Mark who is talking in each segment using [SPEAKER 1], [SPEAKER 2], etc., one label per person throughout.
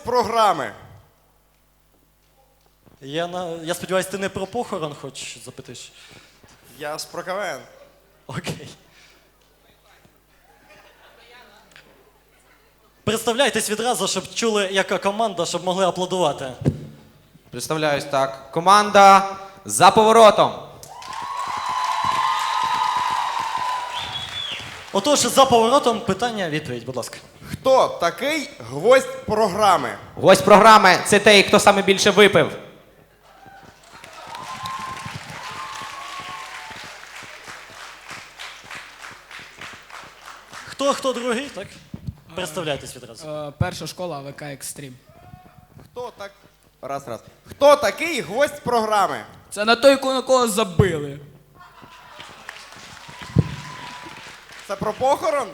[SPEAKER 1] гвоздь програми.
[SPEAKER 2] Я сподіваюся, ти не про похорон хоч запитаєш?
[SPEAKER 1] Я ж про КВН.
[SPEAKER 2] Окей. Представляйтесь відразу, щоб чули, яка команда, щоб могли аплодувати.
[SPEAKER 3] Представляюсь так. Команда «За поворотом».
[SPEAKER 2] Отож, за поворотом питання-відповідь, будь ласка.
[SPEAKER 1] Хто такий гвоздь програми?
[SPEAKER 3] Гость програми – це той, хто саме більше випив.
[SPEAKER 2] Хто другий, так? Представляйтесь відразу.
[SPEAKER 4] Перша школа АВК Екстрім.
[SPEAKER 1] Хто так... Раз. Хто такий гвоздь програми?
[SPEAKER 4] Це на той, на кого забили.
[SPEAKER 1] Це про похорон?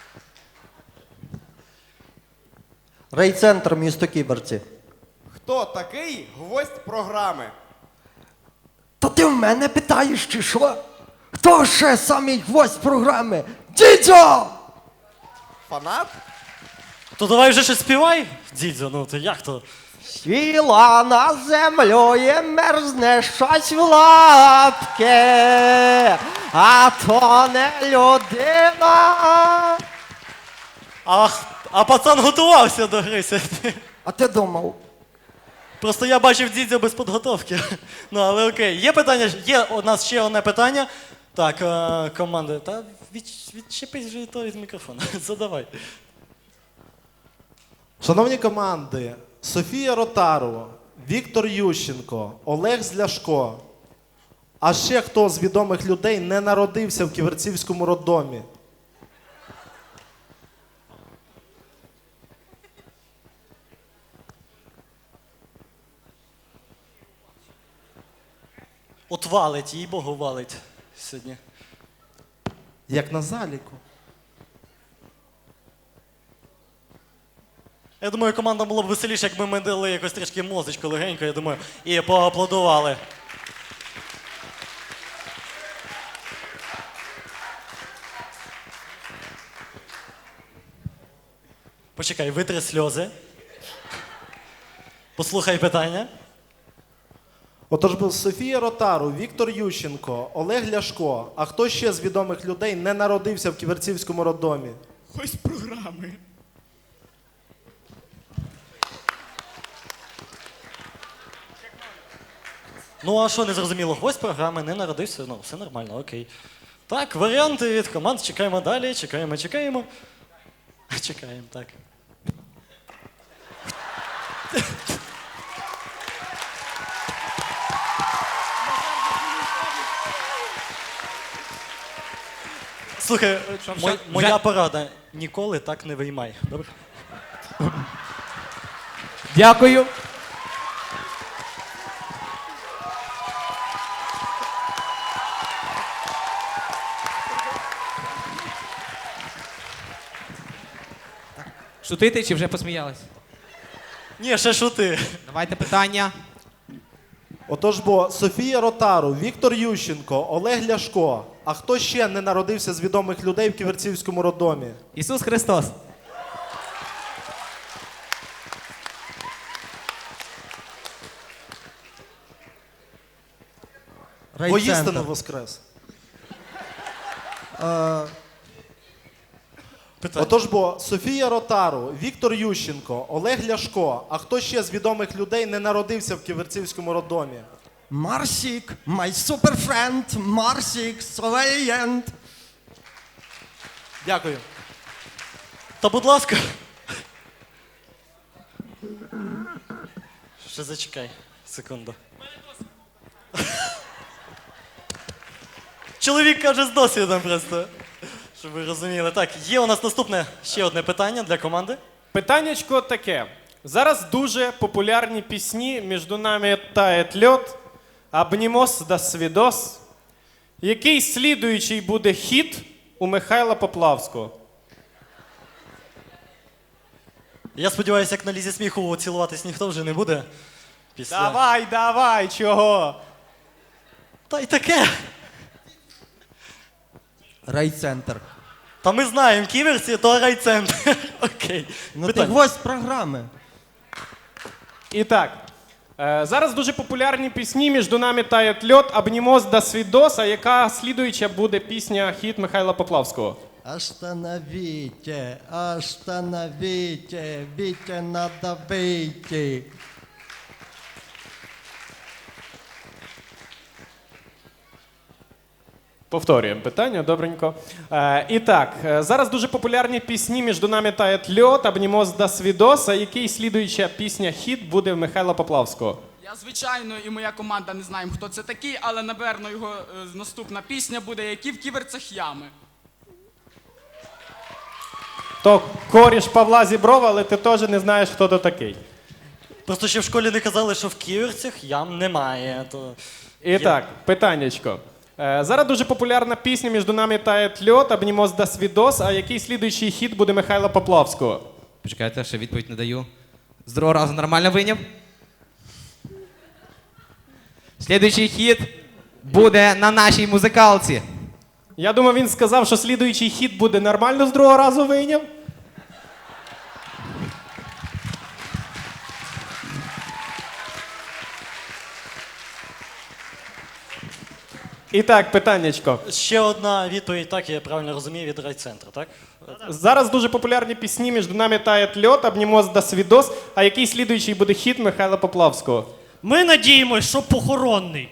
[SPEAKER 5] Райцентр, місто Ківерці.
[SPEAKER 1] Хто такий гвоздь програми?
[SPEAKER 5] То ти в мене питаєш, чи що? Хто ще самий гвоздь програми? Дідьо!
[SPEAKER 1] Фанат?
[SPEAKER 2] То давай вже щось співай, дідзьо, ну то як то?
[SPEAKER 5] Сіла на землю і мерзне щось в лапки, а то не людина.
[SPEAKER 2] А пацан готувався до гри сьогодні.
[SPEAKER 5] А ти думав?
[SPEAKER 2] Просто я бачив дідзьо без підготовки. Ну, але окей. Є питання? Є у нас ще одне питання. Так, команда, та відчепись вже і то від мікрофона. Задавай.
[SPEAKER 6] Шановні команди, Софія Ротару, Віктор Ющенко, Олег Зляшко. А ще хто з відомих людей не народився в Ківерцівському роддомі?
[SPEAKER 2] От валить, їй Богу валить сьогодні.
[SPEAKER 6] Як на заліку.
[SPEAKER 2] Я думаю, командам було б веселіше, якби ми дали якось трішки мозочку легенько, я думаю, і поаплодували. Почекай, витри сльози. Послухай питання.
[SPEAKER 6] Отож був Софія Ротару, Віктор Ющенко, Олег Ляшко. А хто ще з відомих людей не народився в Ківерцівському роддомі?
[SPEAKER 4] Ось програми.
[SPEAKER 2] Ну а що не зрозуміло? Гость програми не народився, ну все нормально, окей. Так, варіанти від команд, чекаємо далі, чекаємо. Чекаємо, так. Слухай, моя порада, ніколи так не виймай, добре?
[SPEAKER 3] Дякую. Шутити чи вже посміялись?
[SPEAKER 2] Ні, ще шути.
[SPEAKER 3] Давайте питання.
[SPEAKER 6] Отож бо Софія Ротару, Віктор Ющенко, Олег Ляшко. А хто ще не народився з відомих людей в Ківерцівському роддомі?
[SPEAKER 3] Ісус Христос.
[SPEAKER 6] Воістину воскрес. Отож бо Софія Ротару, Віктор Ющенко, Олег Ляшко. А хто ще з відомих людей не народився в Ківерцівському роддомі?
[SPEAKER 5] Марсік, my super friend, Марсік, Совелієнт.
[SPEAKER 6] Дякую.
[SPEAKER 2] Та будь ласка. Ще зачекай, секунду. Чоловік каже з досвідом просто, щоб ви розуміли. Так, є у нас наступне ще одне питання для команди.
[SPEAKER 7] Питаннячко таке. Зараз дуже популярні пісні «Між нами тает льод», «Обнімос да свідос». Який слідуючий буде хіт у Михайла Поплавського?
[SPEAKER 2] Я сподіваюся, як на лізі сміху цілуватись ніхто вже не буде. Після...
[SPEAKER 7] Давай, чого?
[SPEAKER 2] Та й таке.
[SPEAKER 5] Райцентр.
[SPEAKER 2] Та ми знаємо, Ківерці то райцентр. Окей.
[SPEAKER 5] Ну ти
[SPEAKER 2] Питання.
[SPEAKER 5] гвоздь програми.
[SPEAKER 7] І так, зараз дуже популярні пісні «Між нами тає льот», «Обнімос да свідос», а яка слідуюча буде пісня хіт Михайла Поплавського?
[SPEAKER 5] Остановите, остановите, Витя надо выйти.
[SPEAKER 7] Повторюємо питання, добренько. І так, зараз дуже популярні пісні «Між нами тає льот», «Обнімос да свідос», а який слідуюча пісня хіт буде в Михайла Поплавського?
[SPEAKER 4] Я, звичайно, і моя команда не знаємо, хто це такий, але, напевно, його наступна пісня буде «Які в ківерцях ями».
[SPEAKER 7] То коріш Павла Зіброва, але ти теж не знаєш, хто то такий.
[SPEAKER 2] Просто ще в школі не казали, що в ківерцях ям немає.
[SPEAKER 7] І так, питаннячко. Зараз дуже популярна пісня «Між нами тає льот», «Обнімос да свідос», а який слідуючий хіт буде Михайла Поплавського?
[SPEAKER 3] Почекайте, ще відповідь не даю. З другого разу нормально вийняв? Слідуючий хід буде на нашій музикалці.
[SPEAKER 7] Я думав, він сказав, що слідуючий хіт буде нормально з другого разу вийняв. І так, питаннячко.
[SPEAKER 2] Ще одна відповідь, так, я правильно розумію, від райцентру, так?
[SPEAKER 7] Зараз дуже популярні пісні «Між нами тає льот», «Обнімос да свідос», а який слідуючий буде хіт Михайла Поплавського?
[SPEAKER 8] Ми надіємось, що похоронний.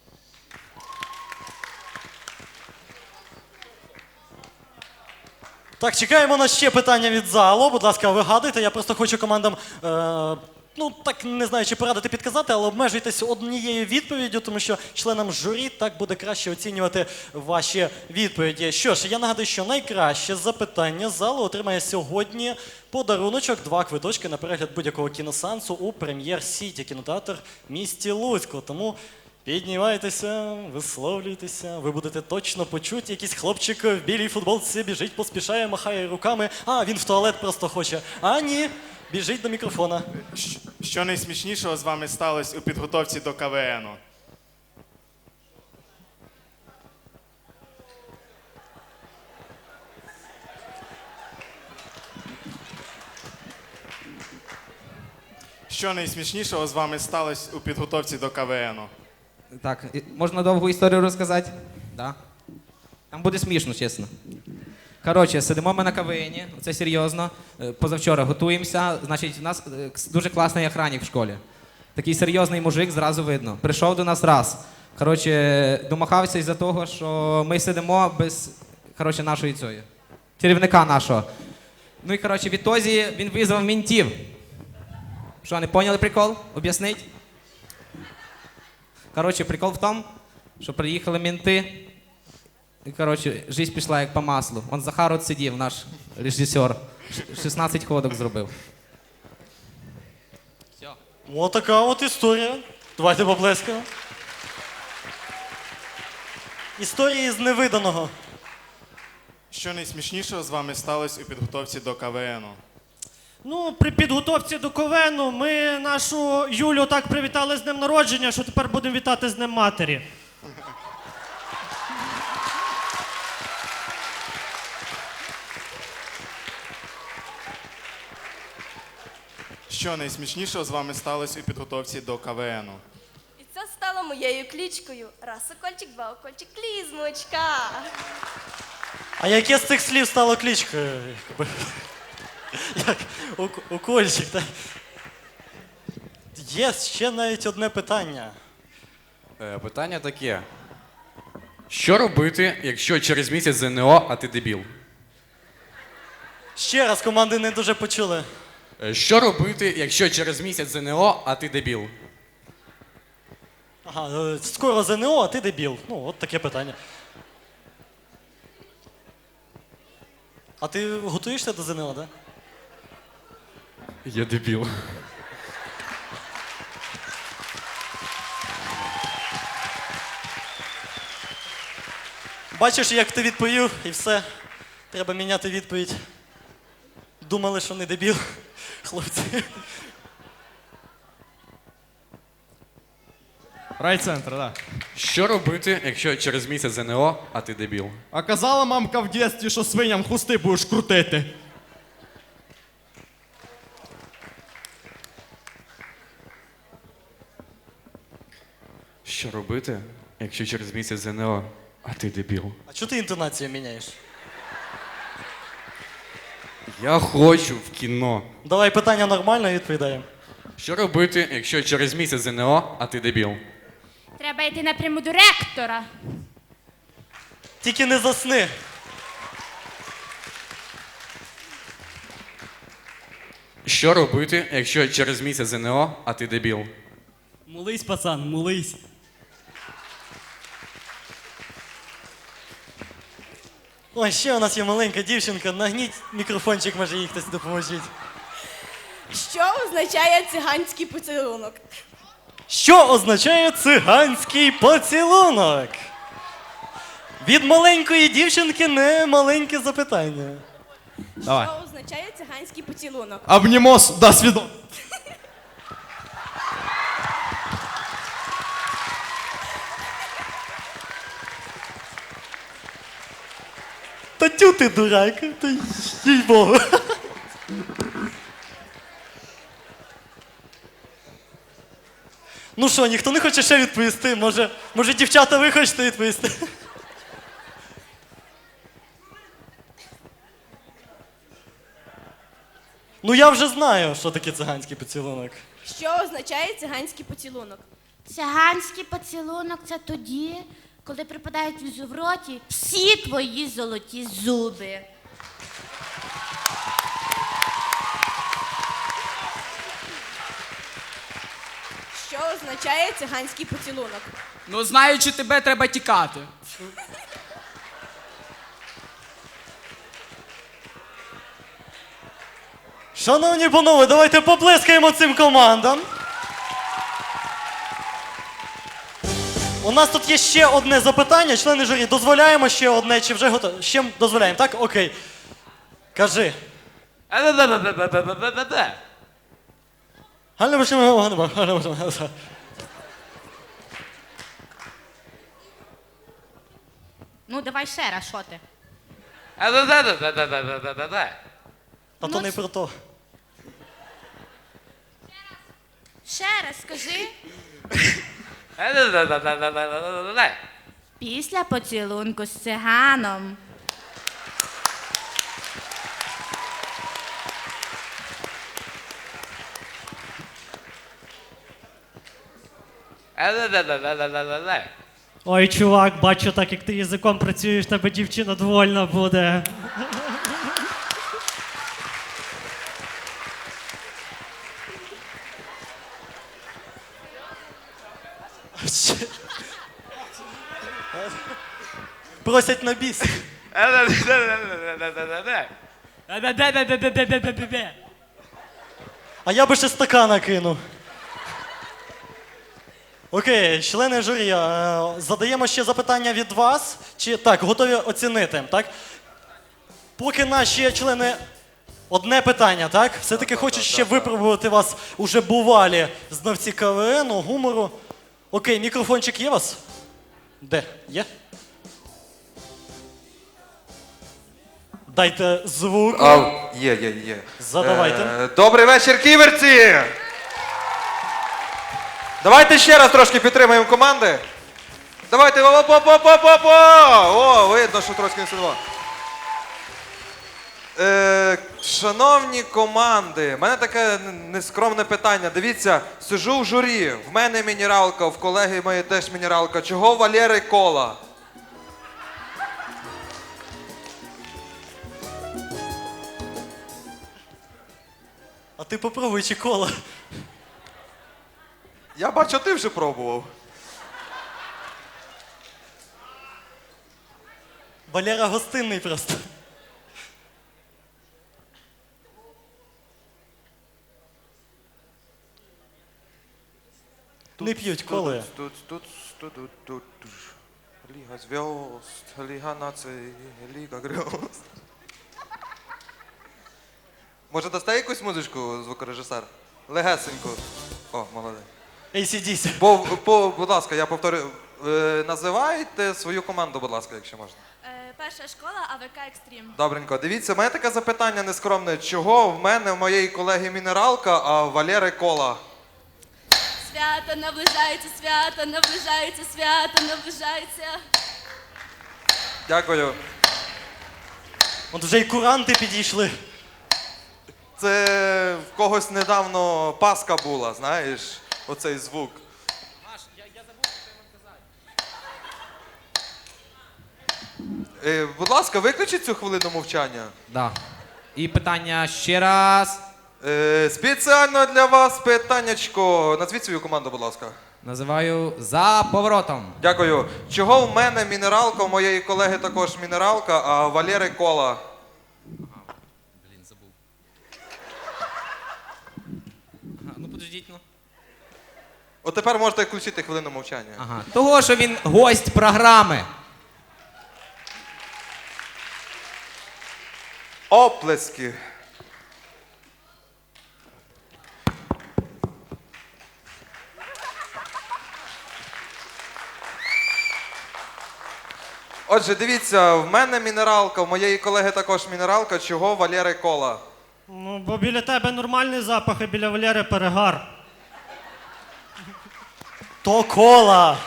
[SPEAKER 2] Так, чекаємо на ще питання від залу. Будь ласка, вигадуйте. Я просто хочу командам, ну так не знаю, чи порадити підказати, але обмежуйтесь однією відповіддю, тому що членам журі так буде краще оцінювати ваші відповіді. Що ж, я нагадую, що найкраще запитання залу отримає сьогодні подаруночок, 2 квиточки на перегляд будь-якого кіносеансу у Прем'єр Сіті, кінотеатр в місті Луцьку. Тому піднімайтеся, висловлюйтеся, ви будете точно почуті. Якийсь хлопчик в білій футболці біжить, поспішає, махає руками. А, він в туалет просто хоче. А ні, біжить до мікрофона.
[SPEAKER 9] Що найсмішнішого з вами сталося у підготовці до КВНу? Що найсмішнішого з вами сталося у підготовці до КВНу?
[SPEAKER 3] Так, можна довгу історію розказати? Да. Там буде смішно, чесно. Коротше, сидимо ми на КВНі, це серйозно. Позавчора готуємося. Значить, у нас дуже класний охранник в школі. Такий серйозний мужик, зразу видно. Прийшов до нас раз. Коротше, домахався із-за того, що ми сидимо без нашої цієї, керівника нашого. Ну і коротше, відтоді він визвав ментів. Що, не поняли прикол? Об'яснить? Коротше, прикол в тому, що приїхали менти, і, коротше, життя пішла як по маслу. Он Захар от сидів, наш режисер, 16 ходок зробив.
[SPEAKER 2] Ось така от історія. Давайте поплескаємо. Історії з невиданого.
[SPEAKER 9] Що найсмішнішого з вами сталося у підготовці до КВНу?
[SPEAKER 8] Ну, при підготовці до КВНу ми нашу Юлю так привітали з днем народження, що тепер будемо вітати з Днем матері.
[SPEAKER 9] Що найсмішнішого з вами сталося у підготовці до КВНу?
[SPEAKER 10] І це стало моєю клічкою. Раз укольчик, 2 укольчик, клізмочка.
[SPEAKER 2] А яке з цих слів стало кличкою? Як укольчик, так? Є ще навіть одне питання.
[SPEAKER 11] Питання таке. Що робити, якщо через місяць ЗНО, а ти дебіл?
[SPEAKER 2] Ще раз, команди не дуже почули.
[SPEAKER 11] Що робити, якщо через місяць ЗНО, а ти дебіл?
[SPEAKER 2] Ага, скоро ЗНО, а ти дебіл. Ну, от таке питання. А ти готуєшся до ЗНО, так?
[SPEAKER 11] Я дебіл.
[SPEAKER 2] Бачиш, як ти відповів, і все. Треба міняти відповідь. Думали, що не дебіл, хлопці.
[SPEAKER 12] Райцентр, так.
[SPEAKER 11] Що робити, якщо через місяць ЗНО, а ти дебіл?
[SPEAKER 12] А казала мамка в дєстві, що свиням хусти будеш крутити.
[SPEAKER 11] Що робити, якщо через місяць ЗНО, а ти дебіл?
[SPEAKER 2] А чого ти інтонацію міняєш?
[SPEAKER 11] Я хочу в кіно.
[SPEAKER 2] Давай питання нормально відповідаємо.
[SPEAKER 11] Що робити, якщо через місяць ЗНО, а ти дебіл?
[SPEAKER 13] Треба йти напряму до ректора.
[SPEAKER 2] Тільки не засни.
[SPEAKER 11] Що робити, якщо через місяць ЗНО, а ти дебіл?
[SPEAKER 8] Молись, пацан, молись.
[SPEAKER 2] Ой, ще у нас є маленька дівчинка. Нагніть мікрофончик, може їй хтось допоможіть.
[SPEAKER 10] Що означає циганський поцілунок?
[SPEAKER 2] Що означає циганський поцілунок? Від маленької дівчинки не маленьке запитання.
[SPEAKER 12] Давай.
[SPEAKER 10] Що означає циганський поцілунок?
[SPEAKER 12] Обнімос, до свидос.
[SPEAKER 2] Та тю ти дурак, та їй-богу. Ну що, ніхто не хоче ще відповісти? Може дівчата ви хочете відповісти? Ну я вже знаю, що таке циганський поцілунок.
[SPEAKER 10] Що означає циганський поцілунок?
[SPEAKER 13] Циганський поцілунок це тоді, коли припадають в роті всі твої золоті зуби.
[SPEAKER 10] Що означає циганський поцілунок?
[SPEAKER 4] Ну, знаючи тебе, треба тікати.
[SPEAKER 2] Шановні панове, давайте поплескаємо цим командам. У нас тут є ще одне запитання. Члени журі, дозволяємо ще одне, чи вже готові? Ще дозволяємо, так? Окей. Кажи.
[SPEAKER 13] Ну, давай ще раз, що ти?
[SPEAKER 2] Та то не про то.
[SPEAKER 13] Ще раз скажи. Після поцілунку з циганом.
[SPEAKER 8] Ой, чувак, бачу, так як ти язиком працюєш, тебе дівчина довольна буде.
[SPEAKER 2] Просять на біс. А я би ще стакана кинув. Окей, члени журі, задаємо ще запитання від вас. Чи так, готові оцінити, так? Поки наші члени одне питання, так? Все-таки хочуть ще випробувати вас уже бувалі знавці КВН, гумору. Окей, мікрофончик є у вас? Де? Є? Дайте звук.
[SPEAKER 1] Є.
[SPEAKER 2] Задавайте.
[SPEAKER 1] Добрий вечір, ківерці! Давайте ще раз трошки підтримаємо команди. Давайте. О, видно, що трошки не сидимо. Шановні команди, в мене таке нескромне питання. Дивіться, сижу в журі, в мене мінералка, в колеги моєї теж мінералка. Чого у Валєри кола?
[SPEAKER 2] А ти попробуй чи кола.
[SPEAKER 1] Я бачу, ти вже пробував.
[SPEAKER 2] Валера гостинний просто. Не п'ють коли.
[SPEAKER 1] Ліга зв'язд, Ліга націй, Ліга грьозд. Може, дасте якусь музичку, звукорежисер? Легесеньку. О, молодець.
[SPEAKER 2] ACDC.
[SPEAKER 1] Будь ласка, я повторю. Називайте свою команду, будь ласка, якщо можна.
[SPEAKER 10] Перша школа АВК Екстрім.
[SPEAKER 1] Добренько. Дивіться, в мене таке запитання нескромне. Чого в мене, в моєї колеги мінералка, а в Валєри кола?
[SPEAKER 10] свято, наближається свято, наближається свято, наближається.
[SPEAKER 1] Дякую.
[SPEAKER 2] От вже й куранти підійшли.
[SPEAKER 1] Це в когось недавно Пасха була, знаєш, оцей звук. Будь ласка, виключіть цю хвилину мовчання.
[SPEAKER 3] Да. І питання ще раз.
[SPEAKER 1] Спеціально для вас питаннячко. Назвіть свою команду, будь ласка.
[SPEAKER 3] Називаю за поворотом.
[SPEAKER 1] Дякую. Чого в мене мінералка, у моєї колеги також мінералка, а у Валери кола?
[SPEAKER 3] Блін, забув. Ага, ну подождіть, ну.
[SPEAKER 1] От тепер можете включити хвилину мовчання.
[SPEAKER 3] Ага. Того, що він гость програми.
[SPEAKER 1] Оплески. Отже, дивіться, в мене мінералка, в моєї колеги також мінералка, чого в Валери кола?
[SPEAKER 8] Ну, бо біля тебе нормальний запах, а біля Валери перегар.
[SPEAKER 2] То кола.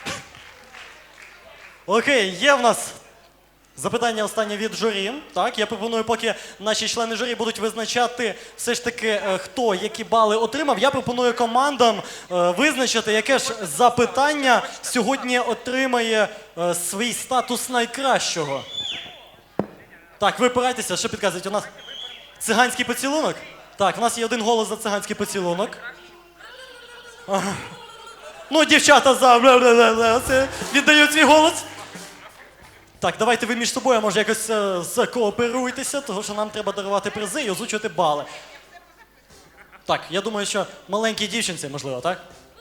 [SPEAKER 2] Окей, є в нас запитання останнє від журі. Так, я пропоную, поки наші члени журі будуть визначати все ж таки, хто які бали отримав, я пропоную командам визначити, яке ж запитання сьогодні отримає свій статус найкращого. Так, ви опирайтеся, що підказують? У нас циганський поцілунок? Так, у нас є один голос за циганський поцілунок. Ага. Ну, дівчата за це віддають свій голос. Так, давайте ви між собою, може, якось закооперуйтеся, тому що нам треба дарувати призи і озвучувати бали. Так, я думаю, що маленькій дівчинці, можливо, так?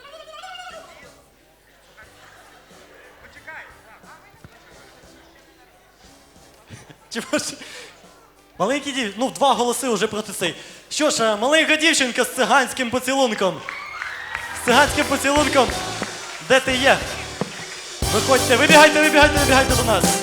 [SPEAKER 2] Маленький дівчинка, ну, 2 голоси вже проти цей. Що ж, маленька дівчинка з циганським поцілунком. З циганським поцілунком. Де ти є? Виходьте, вибігайте до нас.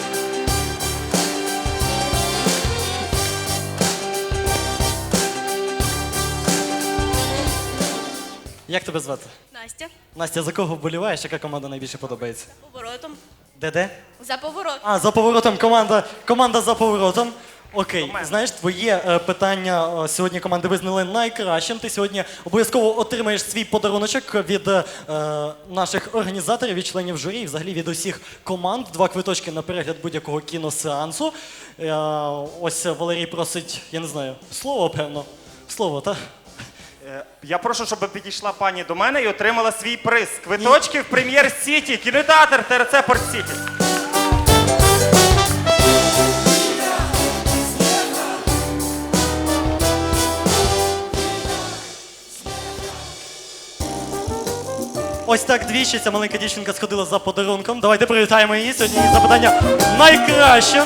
[SPEAKER 2] Як тебе звати?
[SPEAKER 10] Настя,
[SPEAKER 2] Настя, за кого вболіваєш? Яка команда найбільше подобається?
[SPEAKER 10] поворотом.
[SPEAKER 2] Де?
[SPEAKER 10] За поворот.
[SPEAKER 2] А, за поворотом команда за поворотом. Окей, знаєш, твоє питання сьогодні команди визнали найкращим. Ти сьогодні обов'язково отримаєш свій подаруночок від наших організаторів, від членів журі, і взагалі від усіх команд. 2 квиточки на перегляд будь-якого кіносеансу. Ось Валерій просить, я не знаю, слово, певно. Слово, так?
[SPEAKER 14] Я прошу, щоб підійшла пані до мене і отримала свій приз. Квиточки в Прем'єр-Сіті, кінотеатр ТРЦ Порт-Сіті.
[SPEAKER 2] Ось так двічі ця маленька дівчинка сходила за подарунком. Давайте привітаємо її. Сьогодні її запитання найкраще.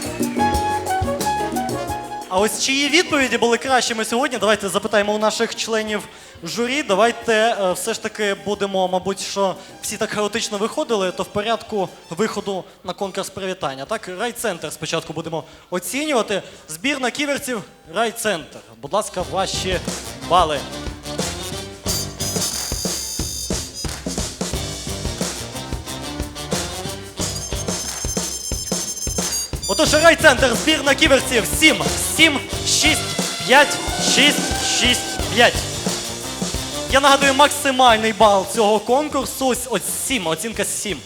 [SPEAKER 2] А ось чиї відповіді були кращими сьогодні? Давайте запитаємо у наших членів журі. Давайте все ж таки будемо, мабуть, що всі так хаотично виходили, то в порядку виходу на конкурс привітання. Так, райцентр спочатку будемо оцінювати. Збірна ківерців райцентр. Будь ласка, ваші бали. Отож, райцентр, збірна ківерців 7, 7, 6, 5, 6, 6, 5. Я нагадую, максимальний бал цього конкурсу ось 7, оцінка 7.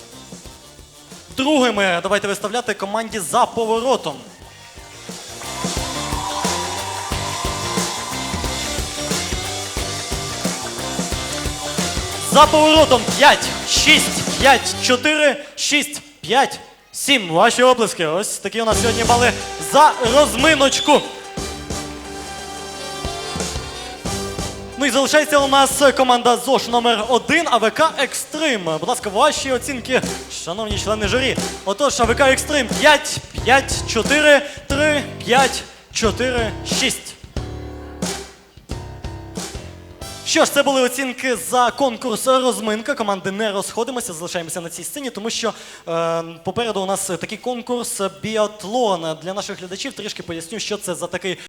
[SPEAKER 2] Другими давайте виставляти команді за поворотом. За поворотом 5, 6, 5, 4, 6, 5, 7. Ваші оплески. Ось такі у нас сьогодні бали за розминочку. Ну і залишається у нас команда ЗОШ номер 1 АВК Екстрим. Будь ласка, ваші оцінки, шановні члени журі. Отож, АВК Екстрим 5, 5, 4, 3, 5, 4, 6. Що ж, це були оцінки за конкурс «Розминка». Команди не розходимося, залишаємося на цій сцені, тому що попереду у нас такий конкурс «Біатлон». Для наших глядачів трішки поясню, що це за такий